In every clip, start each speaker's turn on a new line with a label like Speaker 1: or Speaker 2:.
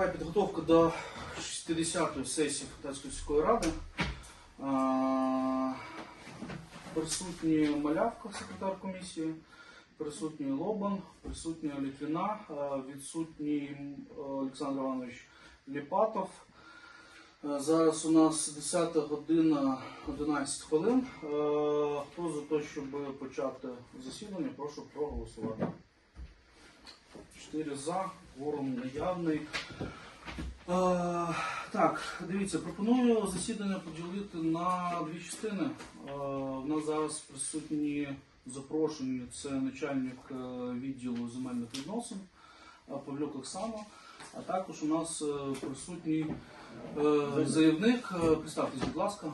Speaker 1: Триває підготовка до 60-ї сесії Фонтанської сільської ради. Присутні Малявка, секретар комісії, присутній Лобан, присутня Літвіна, відсутній Олександр Іванович Ліпатов. Зараз у нас 10 година 11 хвилин. Хто за те, щоб почати засідання, прошу проголосувати. 4 за, кворум наявний. Так, дивіться, пропоную засідання поділити на дві частини. У нас зараз присутні запрошені, це начальник відділу земельних відносин Павлюк Оксана, а також у нас присутній заявник. Представтесь, будь ласка.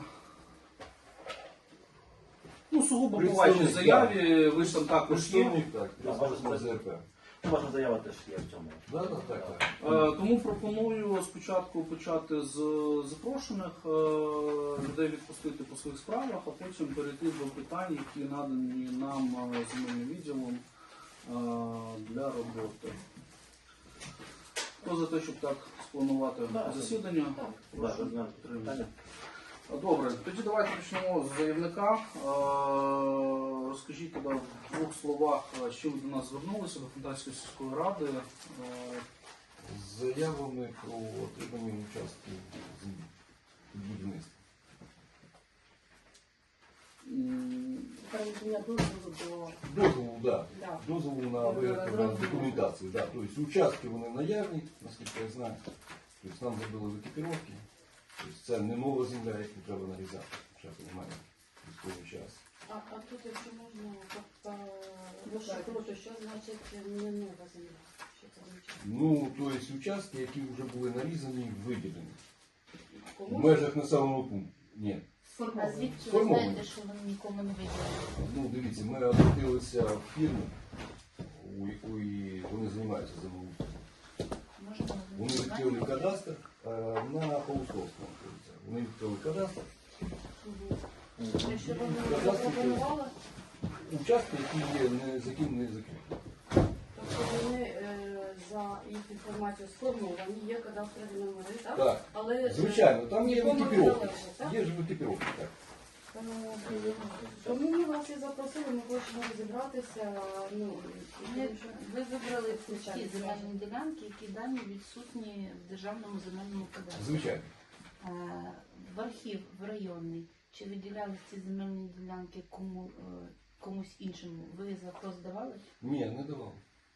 Speaker 1: Ну, сугубо по вашій заяві, ви ж там також є.
Speaker 2: Так, представник ЗРП.
Speaker 3: Ваша заява теж є в цьому.
Speaker 2: Так.
Speaker 1: Тому пропоную спочатку почати з запрошених, людей відпустити по своїх справах, а потім перейти до питань, які надані нам земельним відділом для роботи. Хто за те, щоб так спланувати засідання? Прошу підтримати. Добре, тоді давайте почнемо з заявника. Розкажіть тоді в двох словах, з чим ви до нас звернулися, до Фонтанської сільської ради.
Speaker 2: З заявами про отримання участків в будівництві.
Speaker 4: Передання дозволу до...
Speaker 2: Дозволу,
Speaker 4: Да.
Speaker 2: Дозволу на виготовлення документації. Да. Тобто участки вони наявні, наскільки я знаю. Тобто нам зробили викіпіровки. Тобто це не нова земля, яку треба нарізати. Ще немає військовий час.
Speaker 4: А тут, якщо можна, розшифрувати, що значить не нова земля? Що це означає?
Speaker 2: Ну, тобто участки, які вже були нарізані, виділені. В
Speaker 4: Кому?
Speaker 2: межах населеного пункту. Ні.
Speaker 5: А звідки ви
Speaker 2: Сформовані.
Speaker 5: знаєте, що вони нікому не виділили?
Speaker 2: Ну, дивіться, ми обратилися в фірму, у якої вони займаються землеустрою.
Speaker 5: Можна
Speaker 2: Вони відкрили кадастр на Паустовському. Вони відкрили кадастр.
Speaker 4: Якщо вони запропонували,
Speaker 2: Участки, які є за ким не закриті.
Speaker 4: тобто вони за їх інформацією сформовані, є кадастрові номери, так?
Speaker 2: Так,
Speaker 4: Але
Speaker 2: звичайно, там є
Speaker 4: нікому не
Speaker 2: викіпіровки.
Speaker 4: належать, так?
Speaker 2: Є ж викіпіровки, так.
Speaker 4: Тому ми вас і запросили, ми хочемо розібратися.
Speaker 5: Ви вибрали ті земельні ділянки, які дані відсутні в державному земельному кадастрі.
Speaker 2: Звичайно.
Speaker 5: В архів, в районний, чи виділяли ці земельні ділянки комусь іншому? Ви запрос давали?
Speaker 2: Ні, не давав.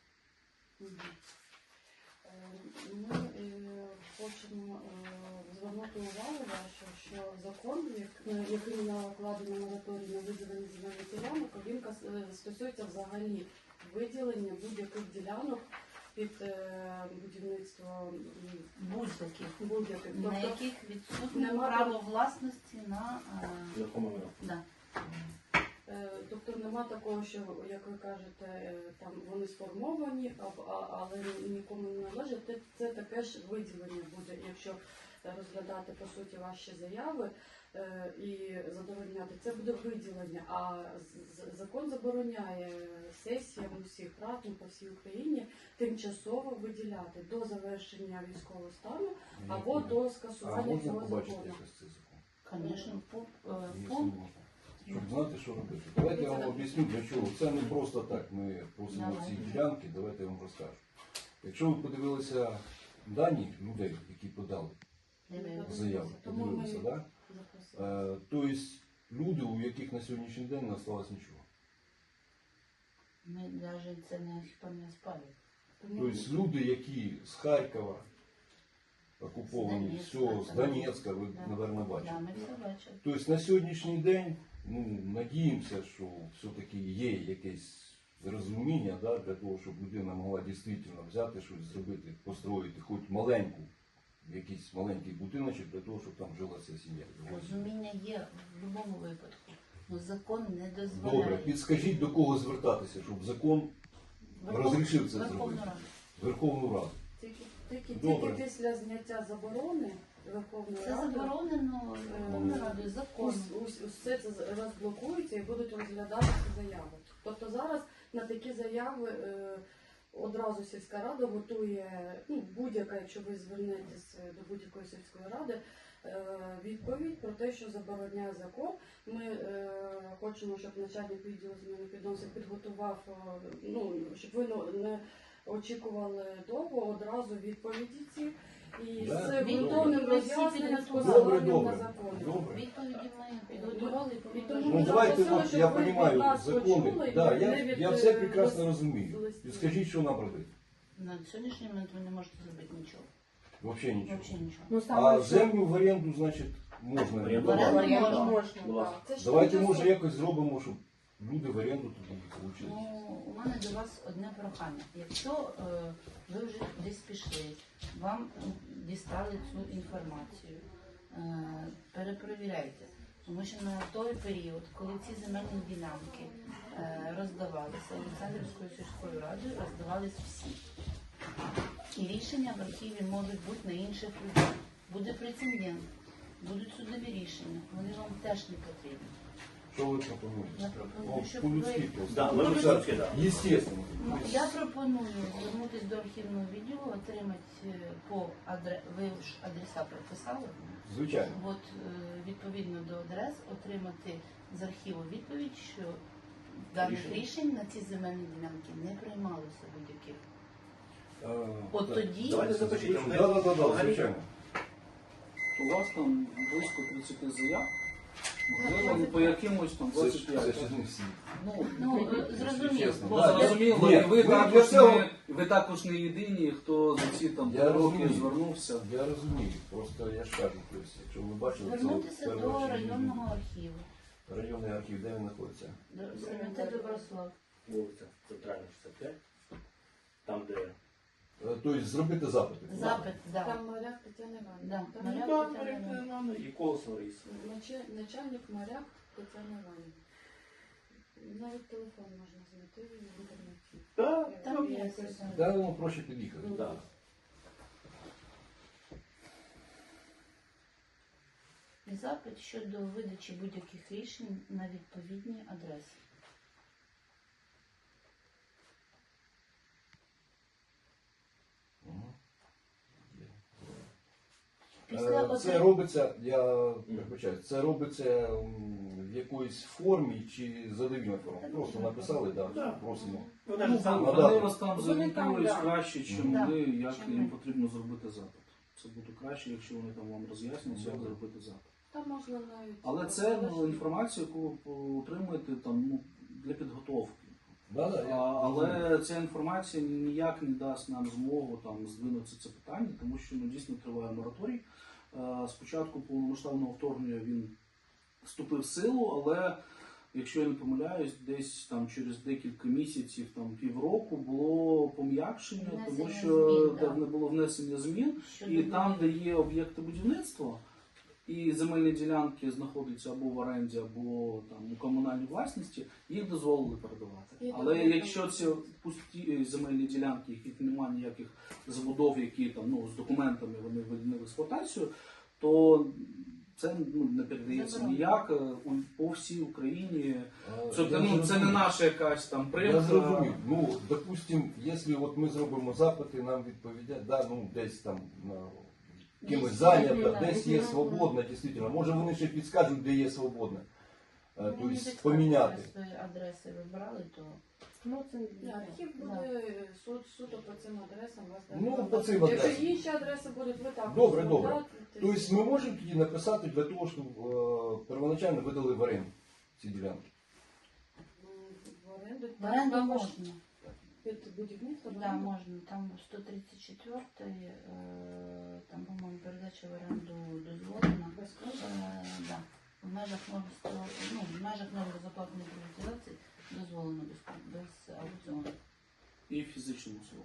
Speaker 4: Ми хочемо звернути увагу вашу, що закон, який накладено мораторій на виділення земельних ділянок, він стосується взагалі виділення будь-яких ділянок під будівництво будь-яких.
Speaker 5: На яких відсутне
Speaker 4: нема
Speaker 5: право власності на...
Speaker 3: Нерухомого.
Speaker 5: Да.
Speaker 4: Тобто нема такого, що, як ви кажете, там вони сформовані, але нікому не належать. Це таке ж виділення буде, якщо розглядати по суті ваші заяви і задовольняти. Це буде виділення, а закон забороняє сесіям усіх рад по всій Україні тимчасово виділяти до завершення військового стану або до
Speaker 2: А
Speaker 4: скасування
Speaker 2: можна
Speaker 4: цього
Speaker 2: побачити
Speaker 4: закону.
Speaker 2: якось цей закон?
Speaker 5: Звісно,
Speaker 2: Якщо можна. Щоб знати, що робити. Давайте я вам об'ясню, для чого. Це не просто так. Ми просимо ці ділянки, давайте я вам розкажу. Якщо ви подивилися дані людей, які подали заяву, подивилися, так? Тобто люди, у яких на сьогоднішній день не залишилось нічого.
Speaker 5: Ми навіть це не хіба не спали.
Speaker 2: Тобто люди, які з Харкова окуповані,
Speaker 5: З
Speaker 2: все,
Speaker 5: Донецька,
Speaker 2: з Донецька, ви,
Speaker 5: Да.
Speaker 2: мабуть, бачите.
Speaker 5: Да, ми все бачили.
Speaker 2: Тобто на сьогоднішній день, надіємося, що все-таки є якесь розуміння, да, для того, щоб людина могла дійсно взяти щось зробити, построїти хоч маленьку, якийсь маленький будиночок для того, щоб там жила ця сім'я.
Speaker 5: Розуміння є в будь-якому випадку. Але закон не дозволяє.
Speaker 2: Добре, підскажіть, до кого звертатися, щоб закон розрішив це
Speaker 5: Верховну
Speaker 2: зробити?
Speaker 5: Раду.
Speaker 2: Верховну Раду.
Speaker 4: Тільки
Speaker 2: Добре.
Speaker 4: після зняття заборони Верховної
Speaker 5: Це
Speaker 4: Ради
Speaker 5: заборонено Верховною Радою законом.
Speaker 4: все це розблокується і будуть розглядатися заяви. Тобто зараз на такі заяви одразу сільська рада готує, ну, будь-яка, якщо ви звернетесь до будь-якої сільської ради, відповідь про те, що забороняє закон. Ми хочемо, щоб начальник відділу земельних відносин підготував, ну, щоб ви не очікували довго одразу відповіді ці. І
Speaker 2: Да,
Speaker 4: з
Speaker 2: добре.
Speaker 4: ґрунтовним роз'ясненням з
Speaker 5: Добре,
Speaker 4: посиланням
Speaker 2: добре,
Speaker 4: на закони.
Speaker 2: добре.
Speaker 5: Відповіді ми підготували і
Speaker 4: І тому
Speaker 2: Ну
Speaker 4: ми
Speaker 2: давайте,
Speaker 4: запросили,
Speaker 2: от,
Speaker 4: щоб
Speaker 2: я
Speaker 4: ви від
Speaker 2: розумію
Speaker 4: нас
Speaker 2: закони,
Speaker 4: почули,
Speaker 2: да,
Speaker 4: не від,
Speaker 2: я все
Speaker 4: е,
Speaker 2: прекрасно
Speaker 4: лист-
Speaker 2: розумію.
Speaker 4: листів.
Speaker 2: І скажіть, що нам робити?
Speaker 5: На сьогоднішній момент ви не можете зробити нічого.
Speaker 2: Взагалі нічого.
Speaker 5: Взагалі нічого.
Speaker 6: Ну,
Speaker 2: А
Speaker 6: саме що-
Speaker 2: землю в оренду, значить, можна.
Speaker 3: Оренду
Speaker 2: давати.
Speaker 5: можна.
Speaker 6: можна,
Speaker 3: Будь ласка.
Speaker 6: так.
Speaker 4: Це ж
Speaker 2: Давайте,
Speaker 4: тимчасово.
Speaker 2: може, якось зробимо, щоб люди в оренду тоді получили.
Speaker 5: Ну, у мене до вас одне прохання. Якщо ви вже десь пішли, вам дістали цю інформацію, перепровіряйте. Тому що на той період, коли ці земельні ділянки роздавалися Олександрівською сільською радою, роздавались всі. І рішення в архіві можуть бути на інших людей. Буде прецедент, будуть судові рішення, вони вам теж не потрібні.
Speaker 2: Що ви пропонуєте?
Speaker 5: Я пропоную, щоб
Speaker 2: По-людськи
Speaker 5: ви-
Speaker 2: просто.
Speaker 3: Да, ми
Speaker 2: Ну,
Speaker 3: по-людськи, да.
Speaker 2: Естественно.
Speaker 5: Ну, я пропоную звернутися до архівного відділу, отримати ви ж адреса прописали.
Speaker 2: Звичайно.
Speaker 5: От відповідно до адрес отримати з архіву відповідь, що даних рішень на ці земельні ділянки не приймалося будь-яких. От
Speaker 2: Так.
Speaker 5: тоді
Speaker 3: Давайте запишіть.
Speaker 2: Да, звичайно.
Speaker 1: У вас там близько 30 заяв, можливо, ну, по якимось там
Speaker 2: Це
Speaker 1: 25.
Speaker 2: ж не всі.
Speaker 5: ну зрозуміло.
Speaker 2: Чесно,
Speaker 5: бо
Speaker 2: да,
Speaker 5: я-
Speaker 1: Зрозуміло,
Speaker 2: Ні,
Speaker 1: і ви
Speaker 2: для
Speaker 1: також
Speaker 2: цього-
Speaker 1: ви також не єдині, хто за ці там
Speaker 2: Я
Speaker 1: роки
Speaker 2: розумію.
Speaker 1: звернувся.
Speaker 2: Я розумію, просто я ж кажу, тобто, якщо ви бачили,
Speaker 5: Звернутися
Speaker 2: це в
Speaker 5: до
Speaker 2: першу чергу
Speaker 5: районного архіву,
Speaker 2: районний архів, де він знаходиться?
Speaker 5: до Сементе Доброслав.
Speaker 3: Вулиця Центральна 65. Там, де...
Speaker 2: Тобто зробити запити.
Speaker 5: Запит, так.
Speaker 4: Там моряк Тетяна Іванівна.
Speaker 5: Да,
Speaker 4: Там
Speaker 5: моряк
Speaker 3: Да,
Speaker 5: Тетяна Іванівна.
Speaker 3: Марія і Колосова Раїса.
Speaker 4: начальник моряк Тетяна Іванівна. Навіть телефон можна знайти в інтернеті.
Speaker 3: Так,
Speaker 5: Там є
Speaker 4: якось.
Speaker 2: Де воно проще під'їхати?
Speaker 3: да.
Speaker 5: І запит щодо видачі будь-яких рішень на відповідні адреси.
Speaker 2: Мгм.
Speaker 5: Після
Speaker 2: Це робиться, я вибачаю, це робиться в якоїсь формі чи задовільна форма? Просто написали,
Speaker 3: Да.
Speaker 2: так, просимо.
Speaker 3: Ну,
Speaker 1: Ну,
Speaker 3: навіть сам
Speaker 2: надати.
Speaker 1: вони вас там
Speaker 6: Вони
Speaker 1: зорієнтують
Speaker 6: там, да.
Speaker 1: краще, ніж
Speaker 5: Да.
Speaker 1: ми, як
Speaker 5: Чим
Speaker 1: їм
Speaker 5: ми.
Speaker 1: потрібно зробити запит. Це буде краще, якщо вони там вам роз'яснять, як
Speaker 2: Добре.
Speaker 1: зробити запит.
Speaker 4: Там можна навіть.
Speaker 1: Але це інформація, яку ви отримуєте там, ну, для підготовки.
Speaker 2: Да,
Speaker 1: Але ця інформація ніяк не дасть нам змогу там здвинути це питання, тому що ну, дійсно триває мораторій. Спочатку повномасштабного вторгнення він вступив в силу, але якщо я не помиляюсь, десь там через декілька місяців, там півроку було пом'якшення, тому
Speaker 5: Внесення
Speaker 1: що
Speaker 5: змін,
Speaker 1: де
Speaker 5: да.
Speaker 1: не було внесення змін,
Speaker 5: Щодо
Speaker 1: і там, де є об'єкти будівництва, і земельні ділянки знаходяться або в оренді, або там у комунальній власності, їх дозволили передавати.
Speaker 4: І
Speaker 1: Але
Speaker 4: добре.
Speaker 1: якщо це пусті земельні ділянки, яких немає ніяких забудов, які там ну з документами вони введені в експлуатацію, то це ну, не передається
Speaker 5: Заборонено.
Speaker 1: ніяк по всій Україні. Це,
Speaker 2: Я
Speaker 1: ну, це не
Speaker 2: зрозумів.
Speaker 1: наша якась там
Speaker 2: Я
Speaker 1: примха.
Speaker 2: зрозумів. Ну, допустим, якщо от ми зробимо запити, нам відповідять, да, ну, десь там на кимось
Speaker 5: Десь
Speaker 2: зайнято,
Speaker 5: є,
Speaker 2: десь
Speaker 5: да.
Speaker 2: є свободно, дійсно. Може вони ще підскажуть, де є свободно.
Speaker 5: Ну,
Speaker 2: Тобто
Speaker 5: не підказуйте,
Speaker 2: поміняти.
Speaker 5: свої адреси вибрали, то
Speaker 6: Ну, це
Speaker 4: Ні, архів буде суто по цим адресам вас дає.
Speaker 2: Ну, по цим
Speaker 4: Якщо
Speaker 2: адресам.
Speaker 4: інші адреси будуть, ви також.
Speaker 2: Добре,
Speaker 4: зробите.
Speaker 2: добре. Тобто ми можемо тоді написати для того, щоб первоначально видали в оренду ці ділянки.
Speaker 4: В оренду.
Speaker 5: в оренду
Speaker 4: Також
Speaker 5: можна.
Speaker 4: Під будівництво.
Speaker 5: Да, можна. Там 134, там, по-моєму, передача в оренду дозволена. Да. В межах в межах норм безоплатної приватизації дозволено без аукціону.
Speaker 1: І фізичному особу.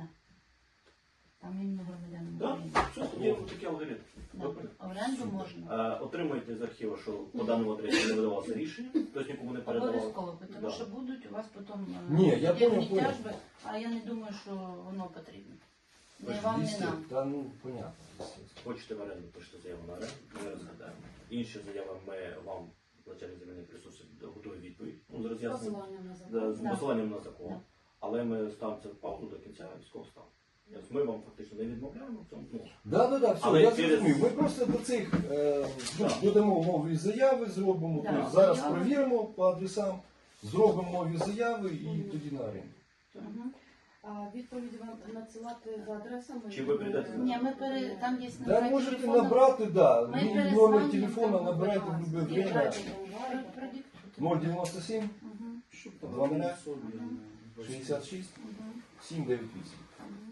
Speaker 5: Там іменно громадянам
Speaker 3: Да,
Speaker 5: України.
Speaker 3: все, тоді ось такий алгоритм.
Speaker 5: Да.
Speaker 3: Добре.
Speaker 5: Оренду можна.
Speaker 3: Отримуєте з архіву, що по даному адресі не видавалося рішення, тобто нікому не передавали.
Speaker 5: Обов'язково, тому
Speaker 3: Да.
Speaker 5: що будуть у вас потім
Speaker 2: Ні, я
Speaker 5: судебні
Speaker 2: понял.
Speaker 5: тяжби, а я не думаю, що воно потрібно. Не вам, не
Speaker 2: Дійсно,
Speaker 5: нам.
Speaker 2: та ну понятно. естественно.
Speaker 3: Хочете в оренду, пишете заяву на оренду, ми розглядаємо. Інші заяви ми вам, начальник земельних ресурсів, готує відповідь. Ну, з роз'ясненням,
Speaker 4: Посилання на
Speaker 3: да,
Speaker 4: закон.
Speaker 3: з посиланням на закон.
Speaker 5: Да.
Speaker 3: але ми ставимо це в паузу до кінця військового стану. Тобто ми вам фактично не відмовляємо в цьому. Ну,
Speaker 2: Да, все,
Speaker 3: Але
Speaker 2: я
Speaker 3: через-
Speaker 2: зрозумів. Ми просто до цих додамо нові заяви, зробимо.
Speaker 5: Да,
Speaker 2: Тобто зараз
Speaker 5: заяви.
Speaker 2: перевіримо по адресам, зробимо нові заяви і тоді на оренду.
Speaker 5: Мгм.
Speaker 4: А відповідь вам надсилати за адресами?
Speaker 3: Чи ви прийдете?
Speaker 5: Ні, там є
Speaker 2: Да,
Speaker 5: номер
Speaker 2: можете
Speaker 5: телефону.
Speaker 2: набрати, да.
Speaker 5: Ми
Speaker 2: Мій
Speaker 5: перезвонимо,
Speaker 2: номер телефона
Speaker 5: там
Speaker 2: набирайте в
Speaker 5: будь
Speaker 2: любое
Speaker 5: ласка.
Speaker 2: время.
Speaker 5: Продиктуйте.
Speaker 2: 097
Speaker 5: Мгм.
Speaker 1: Щоб
Speaker 2: 20
Speaker 1: собі,
Speaker 2: 66
Speaker 5: Мгм.
Speaker 2: 798.
Speaker 5: Мгм.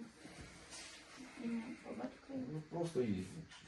Speaker 5: По батькові.
Speaker 2: Ну, просто есть.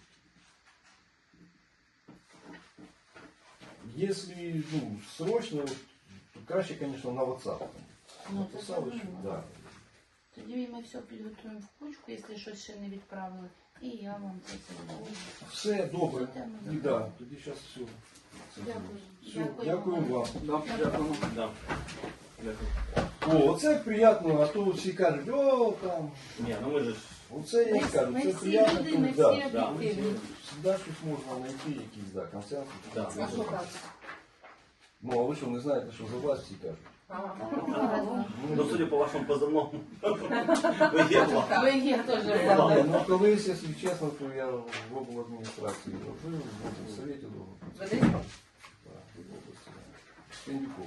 Speaker 2: Если срочно, вот, то краще, конечно, на WhatsApp.
Speaker 5: Ну, це
Speaker 2: Написали, що,
Speaker 5: зрозуміло.
Speaker 2: да.
Speaker 5: Тоді ми все підготуємо в кучку, якщо щось ще не відправили, і я вам це передам.
Speaker 2: Все добре.
Speaker 5: Все,
Speaker 2: І да, тоді зараз все.
Speaker 4: Дякую.
Speaker 2: Все, дякую вам.
Speaker 1: Да, дякуємо.
Speaker 3: да. Дякую.
Speaker 2: О, оце приємно, а то всі кажуть, о, там.
Speaker 3: Ні, ну ми ж
Speaker 2: Оце я кажу,
Speaker 5: Ми
Speaker 2: це
Speaker 5: всі
Speaker 2: приємно,
Speaker 5: люди,
Speaker 2: то,
Speaker 5: ми
Speaker 2: да.
Speaker 5: всі
Speaker 3: да.
Speaker 5: об'єктивні.
Speaker 2: Завжди щось можна знайти, якісь, да, консенсус.
Speaker 3: Да.
Speaker 4: А що так?
Speaker 2: Ну, а ви що, не знаєте, що за вас всі кажуть?
Speaker 3: ну, судя по вашому позивному, ви є влада.
Speaker 5: Ви є теж
Speaker 2: Ні,
Speaker 5: влада.
Speaker 2: ну колись, якщо чесно, то я в обладміністрації робив, в облсовєті робив.
Speaker 5: Веди?
Speaker 2: Так, в області. Пендюков.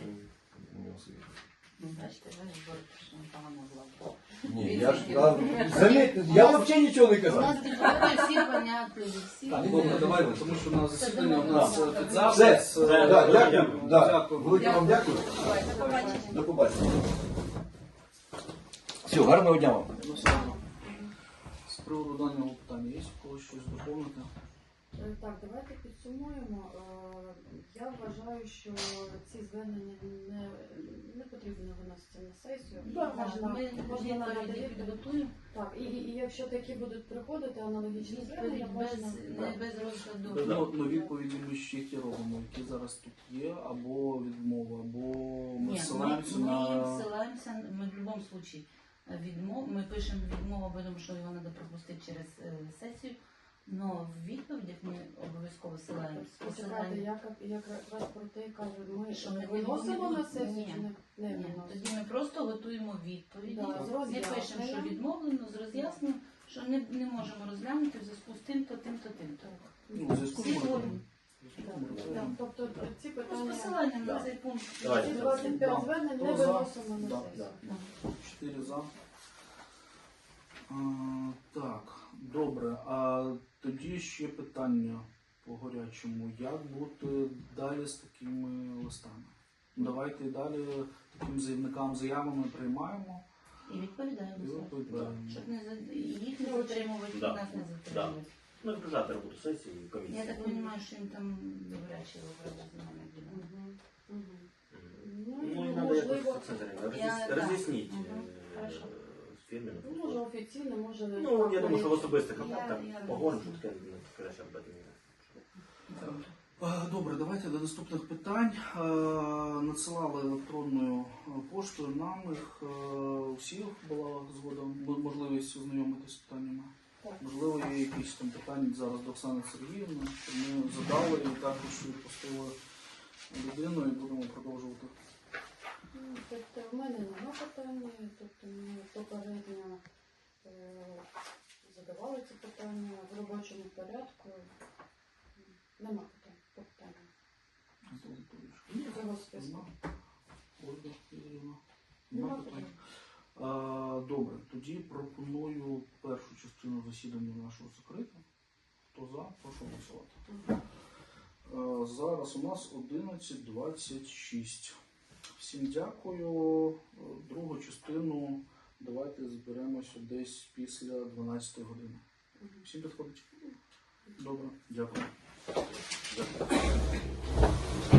Speaker 5: Бачите, ви ж боротьте, що не погана влада.
Speaker 2: Ні, я ж, заметьте, я взагалі нічого не
Speaker 5: У
Speaker 2: казав.
Speaker 5: нас депутати всі понятливі, всі.
Speaker 1: Так,
Speaker 2: Ні,
Speaker 1: добре,
Speaker 2: ні,
Speaker 1: давайте,
Speaker 2: ні.
Speaker 1: тому що на засідання у
Speaker 5: Це
Speaker 1: нас
Speaker 5: домовлено.
Speaker 1: під
Speaker 2: Все,
Speaker 1: запис.
Speaker 2: да, дякую,
Speaker 3: Дякую.
Speaker 2: да.
Speaker 1: Дякую.
Speaker 2: Велике вам дякую.
Speaker 5: Давай, до побачення.
Speaker 2: До побачення. Все, гарного дня вам.
Speaker 1: Ну, все. З приводу даного питання є у когось щось доповнити?
Speaker 4: Так, давайте підсумуємо. Я вважаю, що ці звернення не потрібно виносити на сесію.
Speaker 5: Ми
Speaker 4: Можна надати
Speaker 5: відповіді
Speaker 4: відповідь.
Speaker 5: підготуємо.
Speaker 4: Так, і якщо такі будуть приходити аналогічні звернення,
Speaker 5: Відповідь
Speaker 4: можна...
Speaker 5: без розгляду.
Speaker 1: Ну, відповіді ми ще ті робимо, які зараз тут є, або відмова, або ми
Speaker 5: Ні,
Speaker 1: ссилаємося
Speaker 5: ми
Speaker 1: на...
Speaker 5: ссилаємося, ми в будь-якому випадку ми пишемо відмову, тому що його треба пропустити через сесію, але в відповідях ми обов'язково ссилаємося.
Speaker 4: Почекайте, я якраз про те кажу, ми
Speaker 5: Що ми
Speaker 4: виносимо
Speaker 5: не
Speaker 4: на сесію
Speaker 5: ні.
Speaker 4: чи не
Speaker 5: Ні,
Speaker 4: виносимо?
Speaker 5: тоді ми просто готуємо відповіді,
Speaker 4: Да, з
Speaker 5: не
Speaker 4: роз'ясненням.
Speaker 5: пишемо, що відмовлено, з роз'ясненням, що не можемо розглянути в зв'язку з тим-то, тим-то, тим-то.
Speaker 1: Ну, в зв'язку з
Speaker 5: Всі
Speaker 1: мораторієм.
Speaker 4: Так, тобто ці
Speaker 5: З
Speaker 4: питання,
Speaker 5: посиланням на цей пункт.
Speaker 3: Давайте.
Speaker 4: ці 25
Speaker 1: Да.
Speaker 4: звернень
Speaker 1: Хто
Speaker 4: не
Speaker 1: за?
Speaker 4: виносимо на
Speaker 1: Да,
Speaker 4: сесію.
Speaker 5: Да.
Speaker 1: 4 за. Так, добре. А тоді ще питання по гарячому. Як бути далі з такими листами? Давайте і далі таким заявникам заявами приймаємо.
Speaker 5: І відповідаємо.
Speaker 1: І
Speaker 5: за це.
Speaker 1: відповідаємо.
Speaker 5: Щоб їх не затримувати, і
Speaker 3: Да.
Speaker 5: нас не затримувати.
Speaker 3: Ну, відражати роботу сесії і комісії.
Speaker 5: Я так розумію, що їм там добряче вибрали земельних ділянок.
Speaker 4: Мгм. Мгм.
Speaker 3: Ну, і треба
Speaker 4: можливо,
Speaker 3: якось це
Speaker 5: Я-
Speaker 3: роз'ясніть
Speaker 5: Мгм. Хорошо.
Speaker 3: з фірмами.
Speaker 4: може офіційно, може...
Speaker 3: Ну, я думаю, що в особистих
Speaker 5: Я-
Speaker 3: контактах
Speaker 5: я
Speaker 3: поговоримо, що
Speaker 5: розумію.
Speaker 3: таке краще об этом не.
Speaker 1: Добре, давайте до наступних питань. Надсилали електронною поштою нам їх. У всіх була згода, можливість ознайомитися з питаннями.
Speaker 4: Так.
Speaker 1: Можливо, є якісь там питання зараз до Оксани Сергіївни, що ми задали і також відпустили людину і будемо продовжувати.
Speaker 4: Тобто в мене нема питання, тобто ми попередньо задавали ці питання в робочому порядку. Нема питань по питанню. Цього списку.
Speaker 1: Ольга Юріївна.
Speaker 4: Нема
Speaker 1: Нема питань. Добре, тоді пропоную першу частину засідання нашого закрити. Хто за, прошу голосувати. Зараз у нас 11:26. Всім дякую. Другу частину давайте зберемося десь після 12 години. Всім підходить? Добре, дякую.
Speaker 3: Дякую.